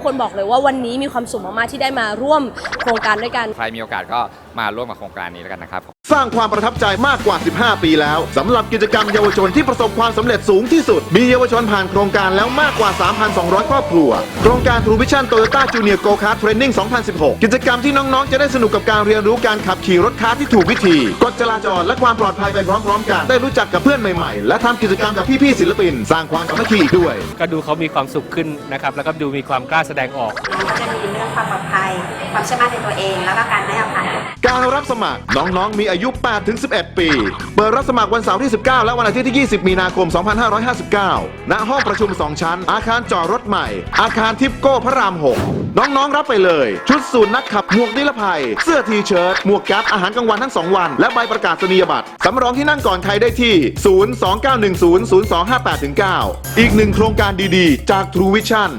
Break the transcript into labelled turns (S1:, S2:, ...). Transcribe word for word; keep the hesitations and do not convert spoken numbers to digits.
S1: คนบอกเลยว่าวันนี้มีความสุขมากๆที่ได้มาร่วมโครงการด้วยกัน
S2: ใครมีโอกาสก็มาร่วมกับโครงการนี้แล้วกันนะครับ
S3: สร้างความประทับใจมากกว่า สิบห้า ปีแล้วสำหรับกิจกรรมเยาวชนที่ประสบความสำเร็จสูงที่สุดมีเยาวชนผ่านโครงการแล้วมากกว่า สามพันสองร้อย ครอบครัวโครงการ True Vision Toyota Junior Go Kart Training สองพันสิบหก กิจกรรมที่น้องๆจะได้สนุกกับการเรียนรู้การขับขี่รถคาร์ทที่ถูกวิธีกฎจราจรและความปลอดภัยไปพร้อมๆกันได้รู้จักกับเพื่อนใหม่ๆและทำกิจกรรมกับพี่ๆศิลปินสร้างความสามัคคีอีกด้วย
S4: ก็ดูเขามีความสุขขึ้นนะครับแล้วก็ดูมีความกล้าแสดงออก
S5: ก็จะมีเรื่องความปลอดภัยความเชื่อมั่นในตัวเองแล้วก็การให้อภัย
S3: การรับสมัครน้องๆมีอายุ แปดถึงสิบเอ็ด ปีเปิดรับสมัครวันเสาร์ที่ สิบเก้า และวันอาทิตย์ที่ ยี่สิบ มีนาคม สองพันห้าร้อยห้าสิบเก้า ณ ห้องประชุม สอง ชั้นอาคารจอดรถใหม่อาคารทิปโก้พระราม หก น้องๆรับไปเลยชุดสูทนักขับหมวกนิรภัยเสื้อทีเชิ้ตหมวกแก๊ปอาหารกลางวันทั้งสองวันและใบประกาศนียบัตรสำรองที่นั่งก่อนใครได้ที่ ศูนย์ สอง เก้า หนึ่ง ศูนย์ ศูนย์ สอง ห้า แปด เก้า อีกหนึ่งโครงการดีๆจาก True Vision